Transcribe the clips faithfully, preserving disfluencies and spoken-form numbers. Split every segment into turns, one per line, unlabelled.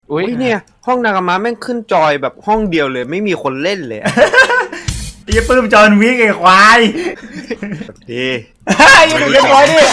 อุ้ยเนี่ยห้องนากามะแม่งขึ้นจอยแบบห้องเดียวเลยไม่มีคนเล่นเลย
ไอ้ปื้มจอนวิกไอ้ควาย
ดี
ยังดูเรียบร้อยดิ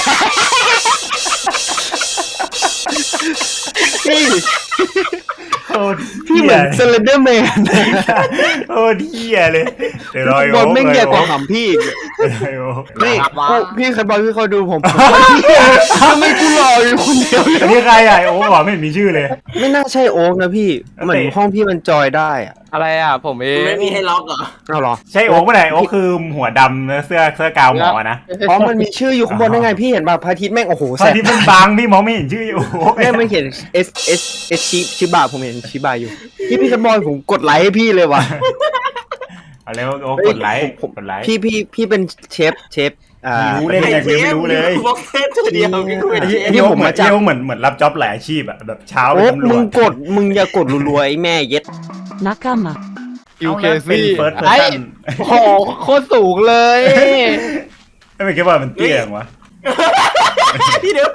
พี่
โอ้
พี่เหมือนเซเลนเดอร์แมน
โอ้เที่ยเลยเดี๋ยวรอย
บอลไม่เกี่ยวกับหำพี่นี่พี่เคยบอลพี่เขาดูผมทำไมกูรออยู่คนเดียว
อันนี้ใครอ่ะโอ้บอกไม่เห็นมีชื่อเลย
ไม่น่าใช่โอ๊กนะพี่เหมือนห้องพี่มันจอยได้อะ
อะไรอ่ะผมเอง
ไม่มีให้ล็อกเหรอ
เอาหรอ
ใช่โอ๊กเมื่อไหร่โอ๊กคือหัวดำเสื้อเสื้อกาวหมอนะ
เพราะมันมีชื่ออยู่ข้างบนได้ไงพี่เห็นป่ะพระอาทิตย์แม่งโอ้โห
พระอาทิตย์มันบางพี่มองไม่เห็นชื่อโอ๊ก
แม่ไม่เห็น S S S ชิชิบะผมเห็นชิบะอยู่พี่พี่เคยบอลผมกดไลค์ให้พี่เลยว่ะ
เอาแล้วโอ๊กกดไลค์กดไลค์
พี่พี่พี่เป็นเชฟเชฟอ่า
รู้เลยยังไม่รู้เลย
บล็อกเซตเดียว
นี่ผมมาจากเหมือนเหมือนรับจ็อบหลายอาชีพอะแบบเช้าไปตำรวจ
มึงกดมึงอย่ากดรัวๆไอ้แม่เย็ด
นักกามะ
ยูเคซี่
ไอ้
โอ้โหโคตรสูงเลย
ไม่เป็นแค่ว่ามันเตี้ยงวะ
พี่เดี๋ยว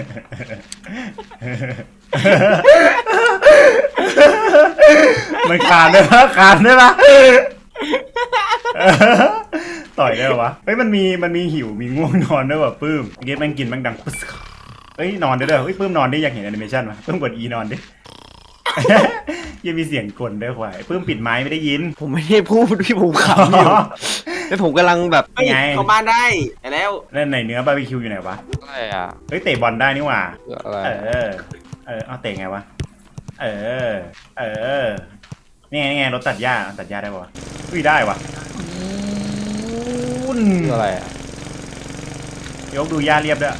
มันคานได้ปะคานได้ปะต่อยได้ปะวะเฮ้ยมันมีมันมีหิวมีง่วงนอนด้วยว่ะปื้มเก็ตแม่งกินแม่งดังปุ๊บเฮ้ยนอนได้ด้วยเฮ้ยปื้มนอนได้อยากเห็นแอนิเมชั่นมั้ยปื้มกด E นอนดิยังมีเสียงกลด้วยควายปื้มปิดไม้ไม่ได้ยิน
ผมไม่ได้พูดพี่ผมขำอยู่แล้วผมกำลังแบบ
ไงเข้าบ้านได้แล้ว
แล้วไหนเนื้อบาร์บีคิวอยู่ไหนวะ
อะไรอ่ะ
เฮ้ยเตะบอลได้นี่หว่า
เอ
อเออเอาเตะไงวะเออเออนี่ไงนี่ไงรถตัดหญ้าตัดหญ้าได้ปะวะอุ้ยได้วะ
อะไรอ่ะ
ยกดูหญ้าเรียบด้วย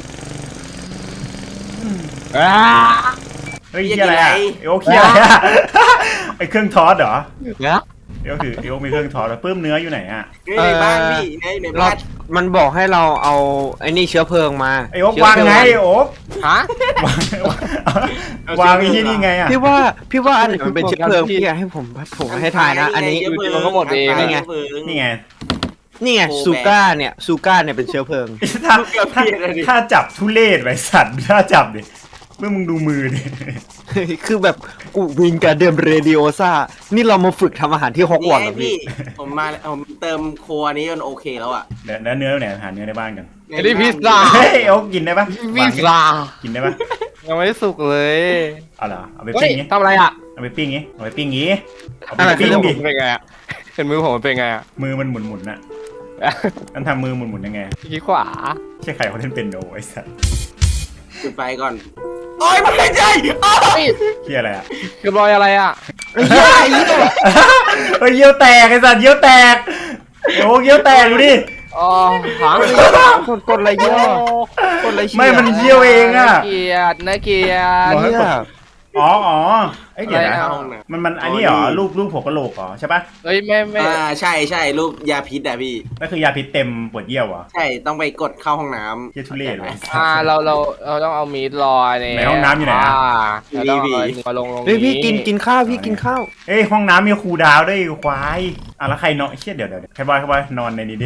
เฮ้ยอะไรอ่ะโอ้เคียอะไรอ่ะไอเครื่องทอสเหรอ
เนี่ย
เดี๋ยวคือเดี๋ยวมีเครื่องทอสแล้วปื้มเนื้ออยู่ไหนอ่ะ
ในบ้านพี่ในในบ้าน
มันบอกให้เราเอาไอ้นี่เชื้อเพลิงมา
ไอโอ๊กวางไงโอ๊ก
ฮะ
วางไอ้ที่นี่ไงอ่ะ
พี่ว่าพี่ว่าอันไหนมันเป็นเชื้อเพลิงพี่ให้ผมผมให้ทายนะอันนี้
มันก็หมดเอง
นี่ไง
นี่ไง
นี่ไงซูก้าเนี่ยซูก้าเนี่ยเป็นเชื้อเพลิง
ถ้าถ้าถ้าจับทุเรศไว้สัตว์ถ้าจับดิเมื่อมึงดูมือดิ
คือแบบกูวิงการเดิมเรดิโอซ่านี่เรามาฝึกทำอาหารที่ฮอกวอตส์เหรอพี่
ผมมาผมเติมโคอันนี้จนโอเคแล้วอ่ะ
เดี๋ยวเนื้อไหนหาเนื้อในบ้านกัน
ไอ้นี่พิซซ่า
เฮ้ยโอ๊กกินได้ปะ
พิซซ่า
กินได้ปะ
ยังไม่สุกเลย
เอาเหรอเอาไปปิ้งงี้
ทำอะไรอ่ะ
เอาไปปิ้งงี้เอาไปปิ้งงี้
เอาไปปิ้งดิเป็นไงอ่ะเห็นมือผมมันเป็นไงอ่ะ
มือมันหมุนหมุนน่ะนั่นทำมือหมุนหมุนยังไง
ขี้ขวา
ใช่ใครเขาเล่นเป็นโนไอ้สัส
จุดไฟก่อนโอ้ยไม่ใช่
เฮียอะไรอ่ะ
คือรอยอะไรอ่ะ
เฮ้ยเยี่ยวแตกไอ้สัสเยี่ยวแตกโอ้เยี่ยวแตกดูดิ
อ๋อหาง
กดกดอะไรเยี่ยวกดอะไร
ไม่มันเยี่ยวเองอ่ะ
เกียดนะเกียด
อ๋ออ๋อไอ้เดี๋ยวนะมันมันอันนี้เหรอรูปรูปหัวกะโหลกเหรอใช่ปะ
เฮ้ยไม่ไม่
อ่าใช่ใช่รูปยาพิษอะพี่
ก็คือยาพิษเต็มปวดเยี่ยวเหรอ
ใช่ต้องไปกดเข้าห้องน้ำ
เยี่ยทุเรศเลย
อ่าเราเราเราต้องเอามีดรอ
ในห้องน้ำอยู่ไหนอ่ะ
เราต้องมาลงลง
เฮ้ยพี่กินกินข้าวพี่กินข้าว
เฮ้ยห้องน้ำมีครูดาวด้วยควายอ่ะแล้วใครนอนเชี่ยเดี๋ยวเดี๋ยวใครบอยใครบอยนอนในนี้ดิ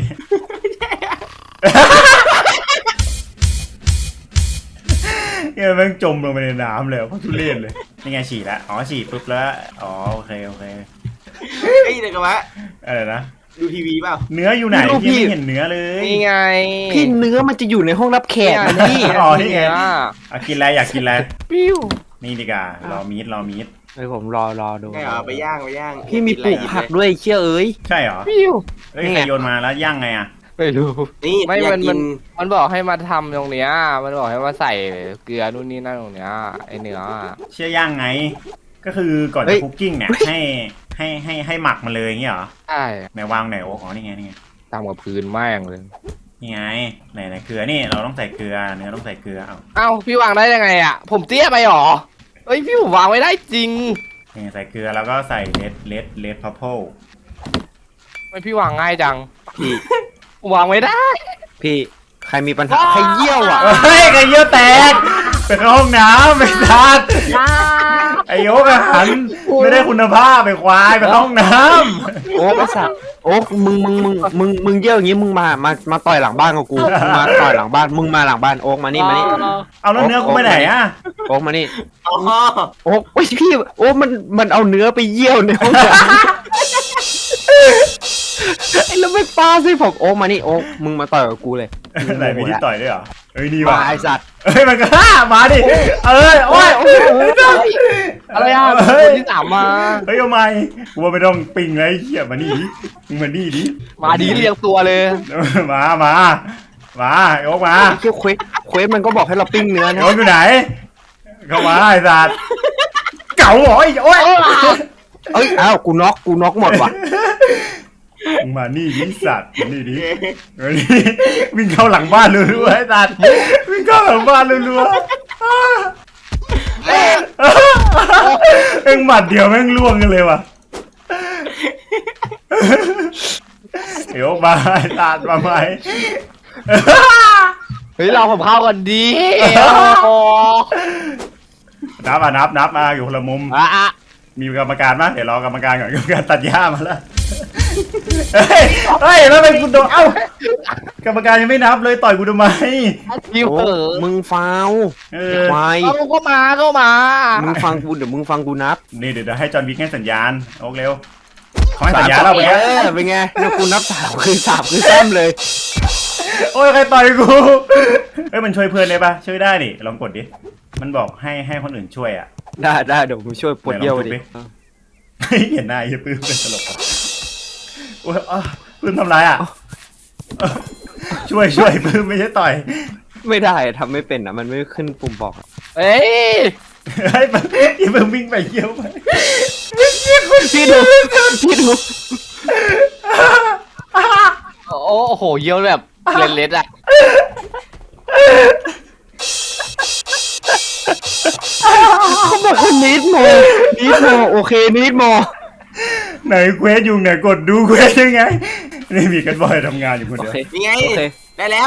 เนี่ยแม่งจมลงไปในน้ำเลยเพราะทุเรศเลยนี่ไงฉี่แล้วอ๋อฉี่ปุ๊บแล้วอ๋อโอเคโอเค
เฮ้ยเดี๋ยวกันวะ
อะไรนะ
ดูทีวีเปล่า
เนื้ออยู่ไหนพี่ไม่เห็นเนื้อเลย
นี่ไง
พี่เนื้อมันจะอยู่ในห้องรับแขกนี่
อ๋อนี่ไงอ่ะกินอะไรอยากกินอะไร
ปิ้ว
นี่ดีกว่ารอมีดรอมีด
เฮ้ยผมรอรอดู
ใช่เหรอไปย่างไปย่าง
พี่มีปลูกผักด้วยเชื่อเอ้ย
ใช่เหรอ
ปิ้ว
เฮ้ยใครโยนมาแล้วย่างไงอ่ะ
ไม่รู้
นี่
ไม่มันมันมันบอกให้มาทำตรงเนี้ยมันบอกให้มาใส่เกลือนู่นนี่นั่นตรงเนี้ยไอเนื้อ
เชื่อย่างไงก็คือก่อนจะคุกกิ้งเนี่ยให้ให้ให้ให้หมักมาเลยอย่างเงี้ยเหรอ
ใช่
ไหนวางไหนโอ้อ๋อนี่ไงนี่ไง
ตามกับพื้นแม่งเลย
นี่ไงไหนไหนเกลือนี่เราต้องใส่เกลือเนื้อต้องใส่เกลือเอา
เอ้าพี่วางได้ยังไงอ่ะผมเตี้ยไปหรอเอ้ยพี่ผมวางไม่ได้จริง
นี่ใส่เกลือแล้วก็ใส่เลดเลดเลดพัพเพิล
ไม่พี่วางง่ายจังพี่วางไม่ได้
พี่ใครมีปัญหาใครเยี่ยวอ่ะ
เฮ้ยใครเยี่ยวแตกไปเข้าห้องน้ำไปซัดไอโอ๊กอาหารไม่ได้คุณภาพไปควายไปเข้าห้องน้
โอ๊กไอ้สัตว์โอ๊กมึงมึงมึงมึงมึงเยี่ยวอย่างงี้มึงมามามาต่อยหลังบ้านกับกูมึงมาต่อยหลังบ้านมึงมาหลังบ้านโอ๊กมานี่มานี่
ำเอาแล้วเนื้อกูไปไหนอะ
โอ๊กมานี่
อ๋อ
โอ๊กโอ้ยพี่โอ๊กมันมันเอาเนื้อไปเยี่ยวในห้องน้ำไอ้แล้วไม่ปาสิผมโอ๊กมานี่โอ๊กมึงมาต่อยกับกูเลย
ไหนมีที่ต่อยด้วยเหรอเอ้ยดี
มา
ว่ะ
ไอ้สัตว์
เอ้ยมันก็ฮ่ามาดิเอ้ยโอ้ย
อะไรอ่ะ
เฮ้ย
คนที่สามมา
เฮ้ยเอาไม่กูว่าไม่ต้องปิงเลยไอ้เหี้ยมานี่ดิมึงมานี่ดิ
มาดีเรียงตัวเลย
มามามาไอ้โอ๊กมา
ไอ้เคี้ยวเควสเควสมันก็บอกให้เราปิ้งเนื้อ
ไอ้
นะ
โอ๊กอยู่ไหนเข้ามาไอ้สัตว์เก่าเหรอไอ้โอ๊ย
เอ้ยอ้าวกูน็อกกูน็อกหมดว่ะ
มึงมานี่ดิสัตว์มานี่ดิมานี่วิ่งเข้าหลังบ้านรัวๆไอ้สัตว์วิ่งเข้าหลังบ้านรัวๆเอ็งหมัดเดียวแม่งล่วงกันเลยว่ะเดี๋ยวมาไอ้สัตว์มาไหม
เฮ้ยเราผมเข้ากันดีโอ้
นับอ่ะนับนับมาอยู่คนละมุม
อ่ะอ่ะ
มีกรรมการมั้ยเดี๋ยวรอกรรมการก่อนกรรมการตัดหญ้ามาแล้วเฮ้ยเฮ้ยแล้วเป็นกูโดนเอ้ากรรมการยังไม่นับเลยต่อยกูทำไม
ทีม
โอ๊
เอก อ
มึงฟาว
เอ
ไอ้
อ
ควาย
เอาก็มาก็มา
มึงฟังกูเดี๋ยวมึงฟังกูนับ
นี่เดี๋ยวเดี๋ยวให้จอห์นวิกให้สัญญาณโอ๊กเร็วเขาให้สัญญาณเราไป
เอ
แล้ว
อเป็นไงเนี่ยกูนับสามคือสามคือแซมเลย
โอ้ยใครต่อยกูเอ้ยมันช่วยเพื่อนได้ปะช่วยได้นี่ลองกดดิมันบอกให้ให้คนอื่นช่วยอ่ะ
ได้ได้เดี๋ยวผมช่วยปวดเยี่ยวดิ
เห็นหน้าไอ้ปื้มเป็นตลกอ่ะโอ้ยอ้าวปื้มทำไรอ่ะช่วยช่วยปื้มไม่ใช่ต่อย
ไม่ได้ทำไม่เป็นอ่ะมันไม่ขึ้นปุ่มบอก
เอ้ย
ให้ปื้มอย่าปื้มวิ่งไปเยี่ยวไป
พี่ดูพี่ดู
โอ้โอ้โหเยี่ยวแบบเล็ดๆอ่ะ
เขาบอกว่านิดโมนิดโมโอเคนิดโม
ไหนเควสอยู่ไหนกดดูเควสยังไงนี่มีกันบอยทำงานอยู่คน
โอ
เดียว
เค
นี่ไง
โอเค
ได้แล้ว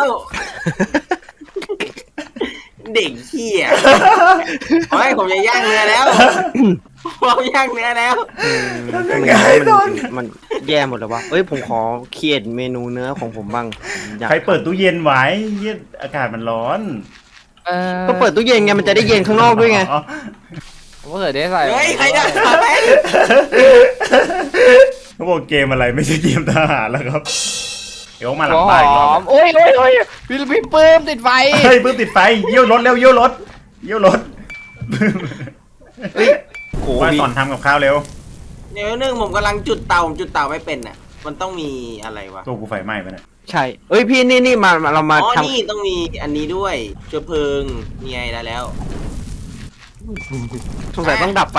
เด็กเหี้ยโอ้ยผมจะย่างเนื้อแล้วผมย่างเนื้อแล้ว
ทำยังไงตอน
มันแย่หมดเลยวะเอ้ยผมขอเขียนเมนูเนื้อของผมบ้างอยาก
ใครเปิดตู้เย็นไว้เย็นอากาศมันร้อน
เออ
ก็เปิดตู้เย็นไงมันจะได้เย็นข้างนอกด้วยไง
อ๋อ
ผมก็เคยได้ใส่
เฮ้ยใครจะทำไม
เขาบอกเกมอะไรไม่ใช่เกมทหารแล้วครับเดี๋ยวมาหลั
หั
ง
วห
บ้านอีกร
อ
อบ
มโอ้ยโอ้ยโอ้ยพี่พี่ปื้มติดไฟ
เฮ้ยปื้มติดไฟเยี่ยวรถเร็วเยี่ยวรถเยี่ยวรถ
เฮ้ยโห
มา
พี่
สอนทำกับข้าวเร็ว
เดี๋ยวนึงผมกำลังจุดเตาผมจุดเตาไม่เป็นน่ะ มันต้องมีอะไรวะ
ตัวกูไฟไหม้ไปเนี่ย
ใช่เอ้ยพี่นี่นี่มามาเรามา
อ๋อ
ท
นี่ต้องมีอันนี้ด้วยเชื้อเพลิงมีไงได้แล้ว
ำสงสัยต้องดับไฟ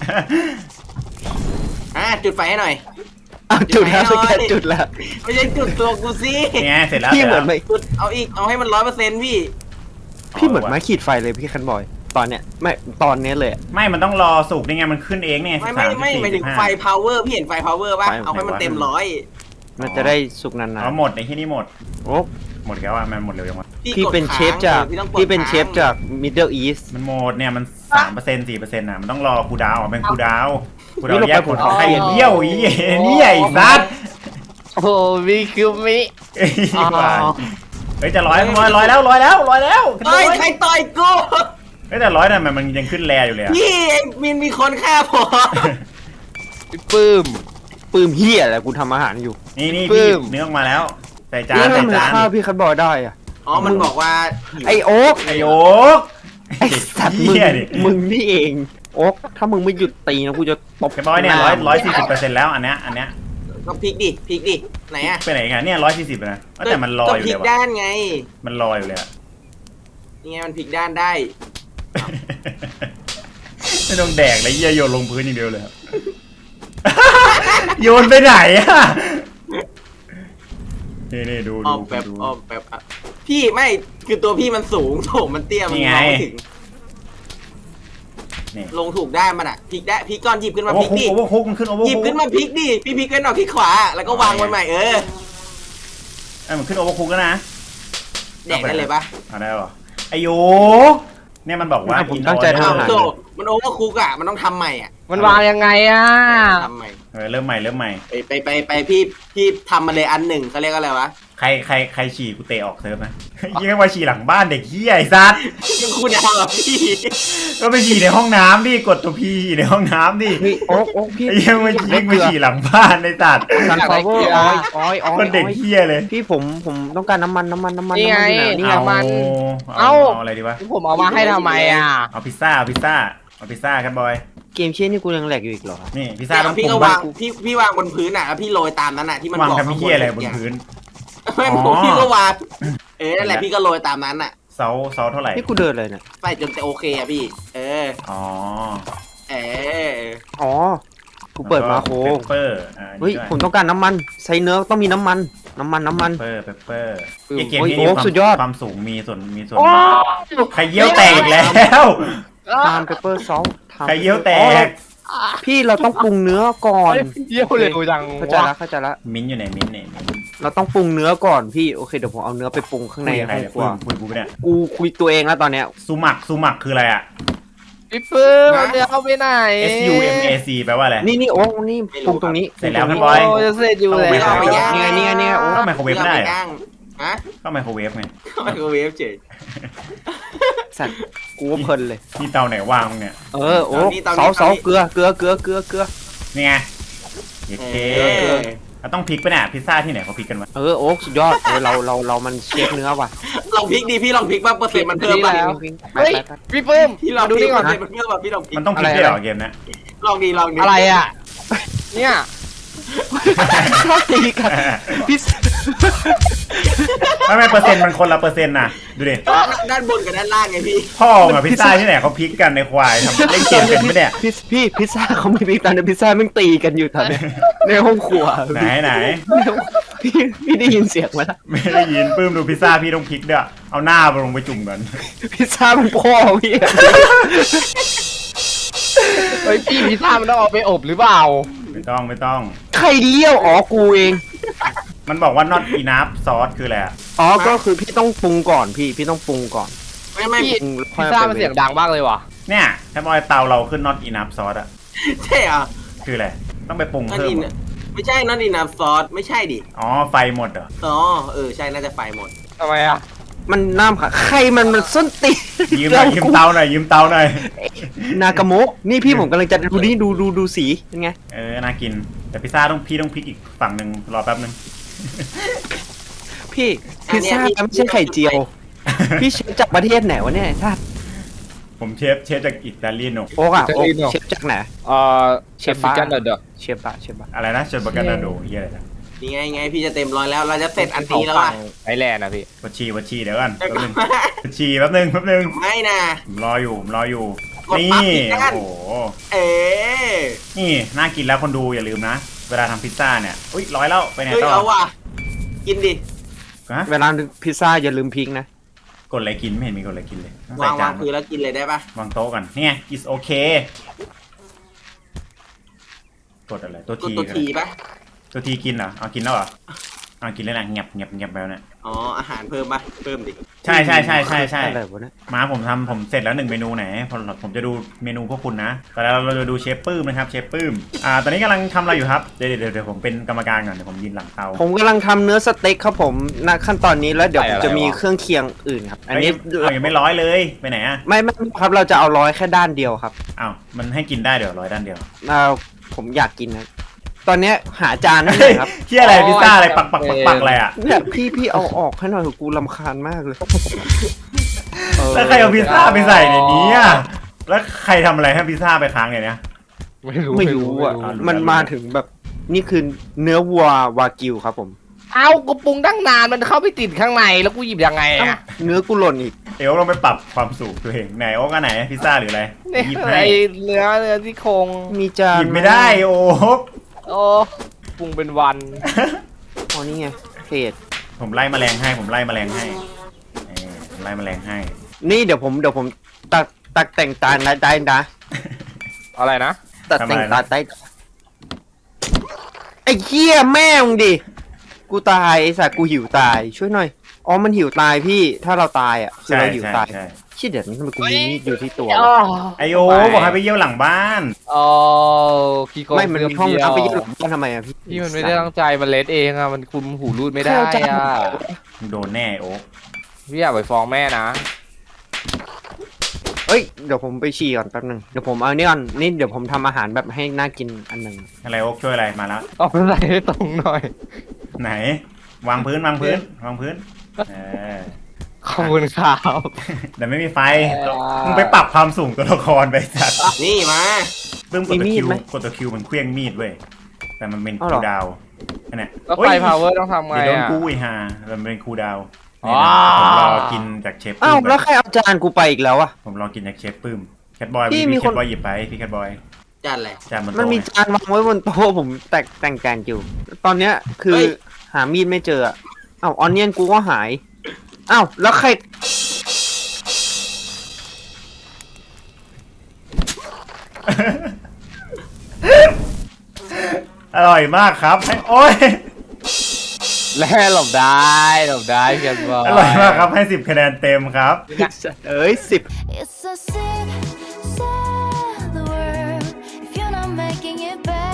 อ่ะจุดไฟให้หน่อย
อ้าวจุดแล้ว
จุดไฟหน่อย
จุดแล้ว
ไม่ใช่จุดตัวกูสิ
นี่ไงเสร็จแล้ว
พี่เหมือน
สร็จ
ไม่
แล้ว
จุดเอาอีกเอาให้มันร้อยเปอร์เซ็นต์พี่
พี่เหมือนไม้ขีดไฟเลยพี่คันบอย ตอนเนี้ยไม่ตอนเนี้ยเลยอะ
ไม่มันต้องรอสุกนี่ไงมันขึ้นเองนี่ไง
ไม่ไม่ไม่หมายถึงไฟ power พี่เห็นไฟ power ป่ะ
ไฟ
เอาให้มันเต็มร้อย
มันจะได้สุกนาน
เอาหมดในที่นี่หมด
ๆโอ้
หมดแล้วอ่ะมันหมดเร็วยังวะ
พี่เป็นเชฟจาก
พี่ต้องกด
พี่เป็นเชฟ
ค้าง
จาก Middle East
มันหมดเนี่ยมันสามเปอร์เซ็นต์สี่เปอร์เซ็นต์อ่ะมันต้องรอคูลดาวน์อ่ะเป็นคูลดาวน์คูลดาวน์แยกผลของไข่เยี่ยวอีนี่ไอ้สัตว์
โอ้มีคือมิ
เอ้ยเฮ้ยจะร้อยร้อยร้อยแล้วร้อยแล้วร้อยแล้ว
เฮ้ยใครต่อยกู
เฮ้ยแต่ร้อยน่ะมันมันยังขึ้นแรอยู่เลยอ่ะ
พี่มินมีคนฆ่าผม
พี่ปื้ม
ปืมเฮียอะไรกูทำอาหารอยู่
นี่นี่
ปึ้
พี่
ม
เนื้อออกมาแล้วใส่จาน
นี่
ใส่
มัน
จาน
ข้าวพี่คันบอยได้อะ
อ๋อมันบอกว่า
ไอโอ๊ก
ไอโอ๊ก
ไอสัตว์มึง
เหี้ยดิ
มึงนี่เองโอ๊กถ้ามึงไม่หยุดตีนะกูจะตบ
แค่ร้อยเนี่ยร้อยร้อยสี่สิบเปอร์เซ็นต์แล้วอันเนี้ยอันเนี้ย
ก็พลิกดิพลิกดิไหนอะ
ไปไหนกันเนี่ยร้อยสี่สิบนะแต่มันรอ
ก็
อยู่
พลิ
เล
ก
ยวะ
ด้านไง
มันรออยู่เลยอะ
นี่ไงมันพลิกด้านได้
ไม่ต้องแดกเลยเยี่ยโยนลงพื้นอย่างเดียวเลยอะ โยนไปไหนอะนี่นี่ดู
อ
ดู
อมแบบ
ดู
ออมแบบอ่ะพี่ไม่คือตัวพี่มันสูงโถมมันเตี้ยมัน
นี่ไง
มองไม่ถึง
นี่
ลงถูกได้มันอ่ะพลิกได้พลิกก้อนหยิบขึ้นมา
โอ
พ
เวอ
ลิ
ร์
ก
คุก
ดิ
โอเวอร์คุกมันขึ้นโอเวอร์
หยิบ
คุก
ขึ้นมาพลิกดิพี่พลิกขึ้นออกที่ขวาแล้วก็วางไว้ใหม่เออ
เอ้ยมันขึ้นโอเวอร์คุกแล้วนะ
แดกได้เลยปะ
เอาได้หรอไอโยเนี่ยมันบอกว่า
ผมตั้งใจ
in
ทำ
อ้าว
อาหาร
โธ่มันโอเวอร์คุกอ่ะมันต้องทำใหม่อ่ะ
มันวางยังไงอ่ะ
ทำใหม่
เออเริ่มใหม่เริ่มใหม่
ไปไปไปไปพี่พี่ทำมาเลยอันหนึ่งเขาเรียกอะไรวะ
ใครใครใครฉี่กูเตะออกเซิร์ฟนะ ยิ่งมาฉี่หลังบ้านเด็กเหี้ยไอ้ซัด
ยังคุณเอาเหรอพี่
ก็ไปฉี่ในห้องน้ำดิกดตัวพีฉี่ในห้องน้ำดิ
เฮ้ยโอ๊กโอ๊กพี่
ไอ้เหี้ยังมาฉี่มาฉี่หลังบ้านในสัตว์
ซันฟลาวเวอร์ออยออยออย
มันเด็กเหี้ยเลย
พี่ผมผมต้องการน้ำมันน้ำมันน้ำมัน
นี่ไง
ำมัอยู่ห
นี่
นี่
ไง มัน
เอา
เอ้า
เอาอะไรดีวะ
ผมเอามาให้ทำไมอ่ะ
เอาพิซซ่าเอาพิซซ่าเอาพิซซ่าครับบอย
เกมเช่นนี่กูยังแหลกอยู่อีกเหรอ
นี่พิซซ่า
แต่
ต้อง
พี่
ป
ก็
รุง
วา
บ้าง
พี่พี่วางบนพื้นอ่ะแล้วพี่โรยตามนั้นอ่ะที่มัน
วาง
บอก
กับพี่เหี้ยอะไรบนพื้น
ไม่
อ๋อ
ผมพี่ก็วางเออนั่นแหละพี่ก็โรยตามนั้นอ่ะ
เสาเสาเท่าไหร่
นี่กูเดินเลยเนี่ย
ใส่จนจะโอเคอ่ะพี่ เออ
อ๋อ
เออ
อ๋อกูเปิดมาโค
เปปเปอร์อ่า
เฮ้ย
นี่ด้วย
ผมต้องการน้ำมันใส่เนื้อต้องมีน้ำมันน้ำมันน้ำมัน
เปอร์เปปเปอร์
อืม
ไอเกม
โอ้ย
นี้
โอ้
มีความ
สุดยอด
ความสูงมีส่วนมีส่วน
โอ้
ใครเยี่ยวแตกอีกแล้ว
ทามเปเปอร์ซอส
ใครเยี่ยวแตก
พี่เราต้องปรุงเนื้อก่อน
เยี่ยวเร็วจัง
เข้าใจละเข้าใจละ
มิ้นท์อยู่ไหนมิ้นท์เนี่ยมิ้นท์
เราต้องปรุงเนื้อก่อนพี่โอเคเดี๋ยวผมเอาเนื้อไปปรุงข้างใน
คุยกับใคร
ห้อง
เนี่ย
ครัว
คุยคุยกูเนี่ย
กูคุยตัวเองแล้วตอนเนี้ย
ซูมักซูมักคืออะไรอ่ะ
พี่ปื้มมันจะเอาไปไหน
S U M A C แปลว่าอะไร
นี่นี่โอ้นี่ปรุงตรงนี้
เสร็จแล้ว
ปงตง
บอย
โอ้จะเสร็จอยู่แล้ว
ไม่เอาไปย่าง
นี่ไงนี่ไงนี่ไงโอ้
ก็ไมโครเวฟไม่ได้
พี่
เหรอ
อาปย่างฮะ
ก็ไมโครเวฟไง
ไมโครเวฟเฉย
สัตว์กูว่าเพลินเลย
ที่เตาไหนวางมึงเนี่ย
เออโอ้เสาเสาเกลือเกลือเกลือเกลือเกลือ
นี่ไงโอเค
เออ
เราต้องพลิกไปเนี่ยพิซซ่าที่ไหนเขาพลิกกันวะ
เออโอ้สุดยอดเออเราเราเรามันเชฟเนื้อว่ะ
ลองพลิกดีพี่ลองพลิกบ้างเปอร์เซ็นต์มันเพิ่มป่ะ
เฮ้ยพี่ปื้ม
พี่ลอง
ดู
พลิ
นี่
ก
ก่
เป
อ
อน ร์เซ็นต์มันเพิ่มป่ะพี่ลองพลิก
มันต้องพลิกด้วยเหรอเกมเนี้ย
ลองดีลองดี
อะไรอ่ะ เนี่ย
ชอบตีกันพี่
ไม่ไม่เปอร์เซ็นต์มันคนละเปอร์เซ็นต์นะดูดิ
ด้านบนกับด้านล่างไงพี่
พ่อมึงอะพิซซ่าที่ไหนเขาพลิกกันในควายทำเล่นเกมเป็นไหมเนี่ย
พี่พี่พิซซ่าเขาไม่พิซซ่าในพิซซ่าแม่งตีกันอยู่ตอนเนี้ยในห้องครัว
ไหนไหน
พี่พี่ได้ยินเสียงไหมล่ะ
ไม่ได้ยินปื้มดูพิซซ่าพี่ต้องพลิกด้วยเอาหน้าไปลงไปจุ่มกัน
พิซซ่ามันพ่อพี่
เฮ้ยพี่พิซซ่ามันต้องเอาไปอบหรือเปล่า
ไม่ต้องไม่ต้อง
ใครเลี้ยวอ๋อกูเอง
มันบอกว่า not enough sauce คืออะไรอะ
อ๋อก็คือพี่ต้องปรุงก่อนพี่พี่ต้องปรุงก่อน
ไม่ไม่
พี่
ปรุงแล้วค่
พิ
อ
ซ
ย
ซ่า
อาไป
มันเสียงดังมากเลยว่ะ
เนี่ยถ้าบอยเตาเราขึ้น not enough sauce อะ
ใช่เหรอ
คืออะไรต้องไปปรุง
นั่น
เพิ่ม
อิน
เหรอ
ไม่ใช่นั่นอินน้ำซอสไม่ใช่ดิ
อ๋อไฟหมดเหรอ
อ๋อเออใช่น่าจะไฟหมด
ทำไมอ่ะ
มันน้ำค่ะใครมันมันส้นตีน
ยืมหน่อยยืมเตาหน่อยยืมเตาหน่อย
นากาโมะนี่พี่ผมกำลังจะดูนี่ดูดูดูสีเป็นไง
เออน่ากินแต่พิซซ่าต้องพี่ต้องพลิกอีกฝั่งหนึ่งรอแป๊บนึง
พี่พิซซ่าไม่ใช่ไข่เจียว พี่เชฟจากประเทศไหนวะเนี่ยถ้า
ผมเชฟเชฟจากอิตาลีโน
โอ๊กอะ
จะ
โอ๊ก
อินเหรอ
เชฟจากไหน
เอ่อเชฟ
เชฟ
ฟิ
บ้า
กันเดอร์
เชฟบะเชฟบะ
อะไรนะเชฟบาการนาโดเฮียอะไรนะ
นี่ไงไงพี่จะเต็มร้อยแล้ว เราจะเสร็จอันนี้แล้วอ่ะ
ไอแลนด์นะพี่
วัชชีวัชชีเดี๋ยวก่อนแป๊บนึงวัชชีแป๊บนึงแป๊บนึง
ไม่นะ
ผมรออยู่ผมรออยู่
กด
นี่
ปั๊บอีกด้าน
โอ้โห
เอ๊ะ
นี่น่ากินแล้วคนดูอย่าลืมนะ เวลาทำพิซซ่าเนี่ยอุ้ยร้อยแล้วไปไหน
เฮ้ย
ต่อ
เอาว่ะกินดิ
ฮะ
เวลาพิซซ่าอย่าลืมพริกนะ
กดอะไรกินไม่เห็นมีกดอะไรกินเลยต้อง
วา
ใส่
งวา
จาง น
พื้นแล้วกินเลยได้ปะ
วางโต๊ะกันนี่ไง is okay กดอะไรตัว
กด
ที
ตัวทีปะ
ตัวทีกินเหรอเอากินแล้วเหรอเอากินแล้วนะเงียบเงียบเงียบแล้วเนี่ย
อ๋ออาหารเพิ่มปะเพิ่มดิ
ใช่ใช่ใช่ใช่ใช่
อะไรวะเนี่ย
มาผมทำผมเสร็จแล้วหนึ่งเมนูไหนผมผมจะดูเมนูพวกคุณนะแต่แล้วเราจะดูเชฟปื้มนะครับเชฟปื้มอ่าตอนนี้กำลังทำอะไรอยู่ครับเดี๋ยวเดี๋ยวเดี๋ยวผมเป็นกรรมการก่อนเดี๋ยวผมยืนหลังเตา
ผมกำลังทำเนื้อสเต็กครับผมณขั้นตอนนี้แล้วเดี๋ยวผมจะมี
ใส่อะไรวะ
เครื่องเคียงอื่นครับ อันนี้
เฮ้ยเอายังไม่ร้อยเลยไปไหนอ่ะ
ไม่ไม่ครับเราจะเอาร้อยแค่ด้านเดียวครับ
อ้าวมันให้กินได้เดี๋ยวร้อยด้านเดียว
เอาผมอยากกินนะตอนเนี้ยหาจานให้หน่อยครับ
เฮียอะไรพิซซ่าอะไรปักปักปักปักอะไรอ่ะ
เนี่ยพี่พี่เอาออกให้หน่อยเถอะกูรำคาญมากเลยเ
แล้วใครเอาพิซซ่าไปใส่ในนี้อ่ะแล้วใครทำอะไรให้พิซซ่าไปค้างในเนี้ย
ไม่รู้
ไม่รู้อ่ะ
ไม่รู้
มันมาถึงแบบนี่คือเนื้อวัววากิวครับผม
เอ้ากูปรุงตั้งนานมันเข้าไปติดข้างในแล้วกูหยิบยังไงอ่ะ
เนื้อกูหล่นอีก
เดี๋ยวลองไปปรับความสูงตัวเองไหนโอ๊กอันไหนพิซซ่าหรืออะไร
นี่
หยิบ
ไอ
ให้
เนื้อเนื้อที่โครง
มีจาน
หยิบไม่ได้โอ๊ก
โอ้ปรุงเป็นวัน
อ๋อนี่ไงเพจ
ผมไล่แมลงให้ผมไล่แมลงให้เออผมไล่แมลงให้
นี่เดี๋ยวผมเดี๋ยวผมตักตักแต่งตาได้ได้นะ
อะไรนะ
ตัดแต่งตาได้ไอ้เหี้ยแม่มึงดิกูตายไอ้สัตว์กูหิวตายช่วยหน่อยอ๋อมันหิวตายพี่ถ้าเราตายอ่ะคือ
ใช่
เราหิว
ใช่
ตาย
ใช่
ชชี่ยเดี๋ยวนี้ทำไมกูมีมีดอยู่ที่ตัว
อ๋อ
วะ
ไอโอบอกให้ไปเยี่ยวหลังบ้าน
อ๋อขี้โกง
ไม่มันมีห้อง
เดียว
น้ำไปเยี่ยมหลังบ้านทำไมอะพี่
พี่มันไม่ได้ตั้งใจมันเล็ดเองอะมันคุมหูรูดไม่ได้อะ
มึงโดนแน่โอ้
พี่อยากไปฟ้องแม่นะ
เอ้ยเดี๋ยวผมไปฉี่ก่อนแป๊บนึงเดี๋ยวผมเอานี่ก่อนนี่เดี๋ยวผมทำอาหารแบบให้น่ากินอันหนึ่ง
อะไรโอ๊กช่วยอะไรมาแล้ว
เอาไปใส่ให้ตรงหน่อย
ไหน วางพื้นวางพื้นวางพื้นเออ
ขอบคุณครับ
แต่ไม่มีไฟ
อ่ามึ
มึงไปปรับความสูงตัวละครไปจัด
นี่มา
ปึ้มกดตัวคิวกดตัวคิวมันเคลี้ยงมีดเว้ยแต่มันเป็นคูลดาวน์อันเนี้ย
แล้วไฟพาวเวอร์ต้องทำไง
เดี๋ยวโดน
อะ
กู้อีฮามันเป็นคูลดาวน์
อ๋
นี่
อ
นะผมรอกินจากเชฟ
อ้า
ปื้
ว
ม
แล้วใครเอาจานกูไปอีกแล้วอะ
ผมรอกินจากเชฟปื้มแคทบอย
พี่
พี่
มี
แค
คน
ทบอยหยิบไปพี่แคทบอย
จัดเลย
จานมัน
มันมี
โตไง
จานวางไว้บนโต๊ะผมแตกแต่งแกงอยู่ ตอนเนี้ยคือหามีดไม่เจออะอ้าวออนเนียนกูก็หายอ้าวแล้วใคร
อร่อยมากครับให้โอ้ย
แล่หลบได้หลบได้เพียนบอ
อร่อยมากครับให้สิบคะแนนเต็มครับ
เอ้ยสิบ
It's so sick, sad the world if you're not making it better.